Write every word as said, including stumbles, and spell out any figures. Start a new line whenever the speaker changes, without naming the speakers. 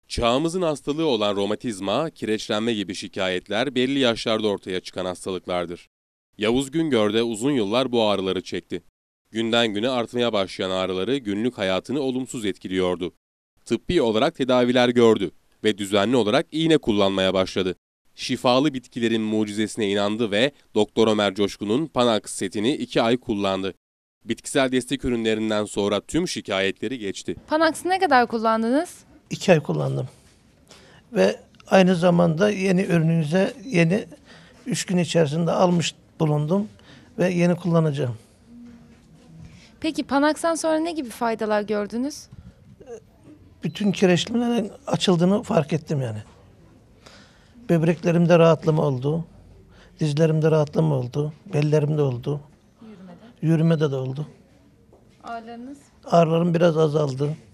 Çağımızın hastalığı olan romatizma, kireçlenme gibi şikayetler belli yaşlarda ortaya çıkan hastalıklardır. Yavuz Güngör de uzun yıllar bu ağrıları çekti. Günden güne artmaya başlayan ağrıları günlük hayatını olumsuz etkiliyordu. Tıbbi olarak tedaviler gördü ve düzenli olarak iğne kullanmaya başladı. Şifalı bitkilerin mucizesine inandı ve Doktor Ömer Coşkun'un Panax setini iki ay kullandı. Bitkisel destek ürünlerinden sonra tüm şikayetleri geçti.
Panax'ı ne kadar kullandınız?
İki ay kullandım. Ve aynı zamanda yeni ürününüze yeni üç gün içerisinde almış bulundum ve yeni kullanacağım.
Peki Panax'tan sonra ne gibi faydalar gördünüz?
Bütün kireçlemelerin açıldığını fark ettim yani. Böbreklerimde rahatlama oldu. Dizlerimde rahatlama oldu. Bellerimde oldu.
Yürümede.
Yürümede de oldu.
Ağrılarınız?
Ağrılarım biraz azaldı.